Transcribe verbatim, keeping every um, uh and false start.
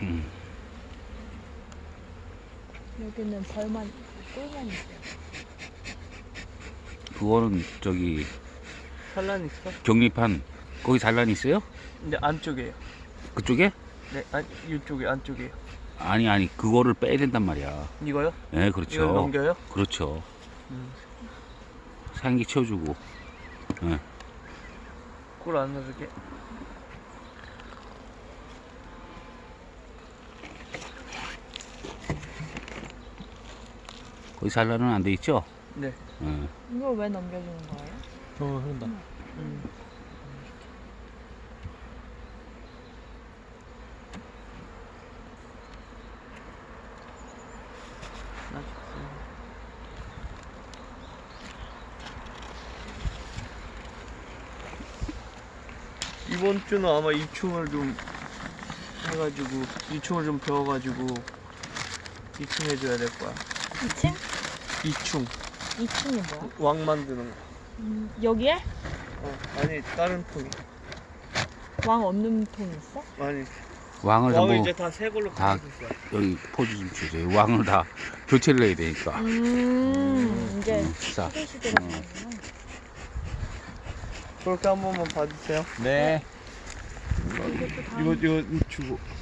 음. 여기는 벌만, 꿀만 있어요. 그거는 저기 산란 있어? 경립한 거기 산란 있어요? 근데 안쪽에요. 그쪽에? 네, 안, 이쪽에 안쪽에요. 아니 아니 그거를 빼야 된단 말이야. 이거요? 네 그렇죠. 이걸 넘겨요? 그렇죠. 음. 산기 채워주고. 네. 꿀 안 넣어줄게. 거기 산란은 안 돼 있죠? 네. 네. 이걸 왜 넘겨주는 거예요? 어, 흐른다. 음. 이번 주는 아마 이충을 좀 해가지고 이충을 좀 배워가지고 이충 해줘야 될 거야. 이 층? 이충 이 층이 뭐야? 왕 만드는 거. 음, 여기에? 어, 아니 다른 통이. 왕 없는 통 있어? 아니 왕을 왕을 전부 이제 다 새 걸로 다- 바꿔줄 거야. 여기 포즈 좀 주세요. 왕을 다 교체를 해야 되니까. 음, 이제 음, 자, 시대 시대가 어. 되는구나. 그렇게 한 번만 봐주세요. 네. 이게 또 다음 이거 이거 주고.